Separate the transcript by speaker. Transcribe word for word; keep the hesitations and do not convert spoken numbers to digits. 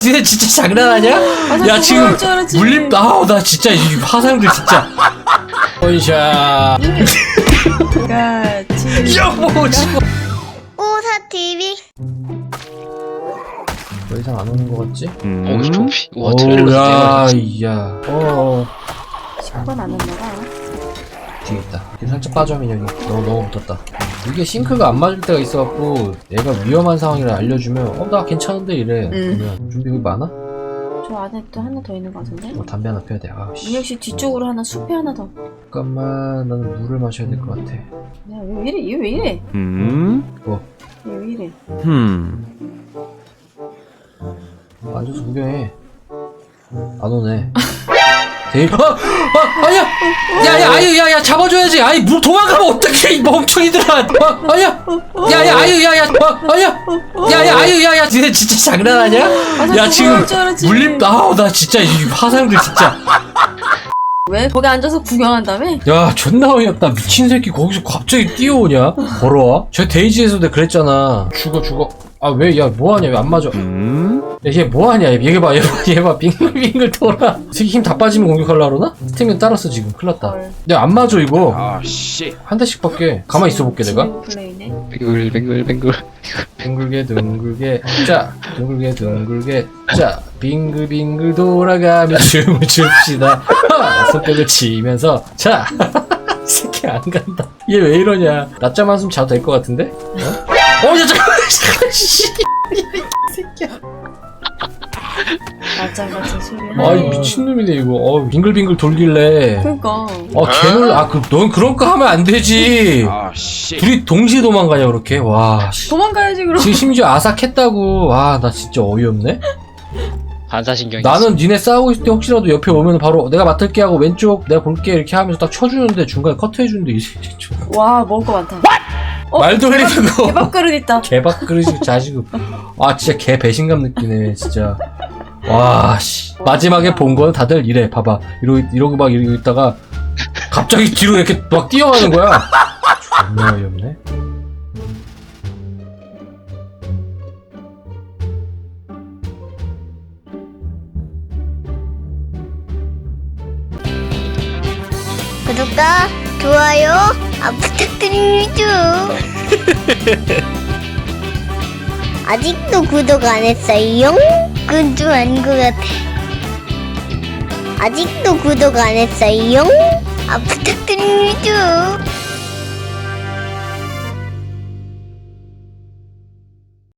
Speaker 1: 니네 진짜 장난하냐?
Speaker 2: 아,
Speaker 1: 야 지금 물림 아우 나 진짜 이 화상들 진짜 원샷
Speaker 2: 같이
Speaker 1: 여보 지금
Speaker 3: 오사티비
Speaker 1: 더 이상 안 오는 거 같지?
Speaker 4: 음? 오, 조피. 우와, 트레일러
Speaker 1: 야
Speaker 4: 진짜.
Speaker 1: 이야 어
Speaker 2: 십 번 안 온다가
Speaker 1: 뒤에 있다 살짝 빠져 민혁이 너무 너무 붙었다 이게 싱크가 안 맞을 때가 있어갖고 얘가 위험한 상황이라 알려주면 어 나 괜찮은데 이래
Speaker 2: 음.
Speaker 1: 그러면 준비 여기 많아?
Speaker 2: 저 안에 또 하나 더 있는 거 같은데?
Speaker 1: 어 담배 하나 펴야 돼 아우씨
Speaker 2: 민혁 씨 뒤쪽으로 하나 숲에 하나 더.
Speaker 1: 잠깐만 나는 물을 마셔야 될 것 같아
Speaker 2: 야, 얘 왜 이래? 얘 왜 이래?
Speaker 4: 음?
Speaker 1: 뭐
Speaker 2: 얘 왜 이래?
Speaker 4: 흠.
Speaker 1: 앉아서 구경해 안 오네 데이 어! 어! 아니야! 야야 아유 야야 잡아줘야지 아이 물 도망가면 어떡해 이 멍청이들아 어! 아니야! 야야 아유 야야 어! 아니야! 야야 아유 야야 니네 진짜 장난하냐?
Speaker 2: 아,
Speaker 1: 야 지금
Speaker 2: 줄 알았지.
Speaker 1: 물림 아우 나 진짜 이 화상들 진짜
Speaker 2: 왜? 거기 앉아서 구경한다며?
Speaker 1: 야 존나 어이없다 미친 새끼 거기서 갑자기 뛰어오냐 걸어와? 저 데이지에서 내가 그랬잖아 죽어 죽어 아 왜 야 뭐하냐 왜 안 맞아
Speaker 4: 음?
Speaker 1: 야, 얘 뭐하냐 얘 봐 얘 봐 얘 봐 빙글빙글 돌아 새끼 힘 다 빠지면 공격하려 그러나? 스태미나 따랐어 지금 큰일났다
Speaker 2: 헐.
Speaker 1: 야 안 맞아 이거
Speaker 4: 아, 씨.
Speaker 1: 한 대씩밖에 가만히 있어볼게 내가
Speaker 2: 지금 플레이네.
Speaker 4: 뱅글, 뱅글, 뱅글.
Speaker 1: 둥글게 둥글게 자 둥글게 둥글게 자 빙글빙글 돌아가며 춤을 춥시다 하! 손뼉을 치면서 자 이 새끼 안 간다 얘 왜 이러냐 낮잠 한숨 자도 될 것 같은데? 어? 어 잠깐만 잠깐만 씨 새끼야
Speaker 2: 낮잠 같은 소리 하네.
Speaker 1: 아이 미친놈이네 이거 어 빙글빙글 돌길래
Speaker 2: 그니까.
Speaker 1: 아 개놀 아그 넌 그런 거 하면 안 되지
Speaker 4: 아, 씨.
Speaker 1: 둘이 동시에 도망가냐 그렇게 와 씨.
Speaker 2: 도망가야지 그럼.
Speaker 1: 지금 심지어 아삭했다고 와 나 진짜 어이없네
Speaker 4: 반사신경이.
Speaker 1: 나는 니네 싸우고 있을 때 혹시라도 옆에 오면 바로 내가 맡을게 하고 왼쪽 내가 볼게 이렇게 하면서 딱 쳐주는데 중간에 커트해주는데 이 새끼 좀
Speaker 2: 와, 먹을 거 많다. 어?
Speaker 1: 말 돌리는 거
Speaker 2: 개밥그릇 있다.
Speaker 1: 개밥그릇이 자식은 아 진짜 개 배신감 느끼네 진짜 와씨 마지막에 본 건 다들 이래 봐봐 이러고 이러고 막 이러고 있다가 갑자기 뒤로 이렇게 막 뛰어가는 거야 존나 어이없네
Speaker 3: 구독과 좋아요 아, 부탁드립니다. 아직도 구독 안 했어요? 그건 좀 아닌 것 같아. 아직도 구독 안 했어요? 아, 부탁드립니다.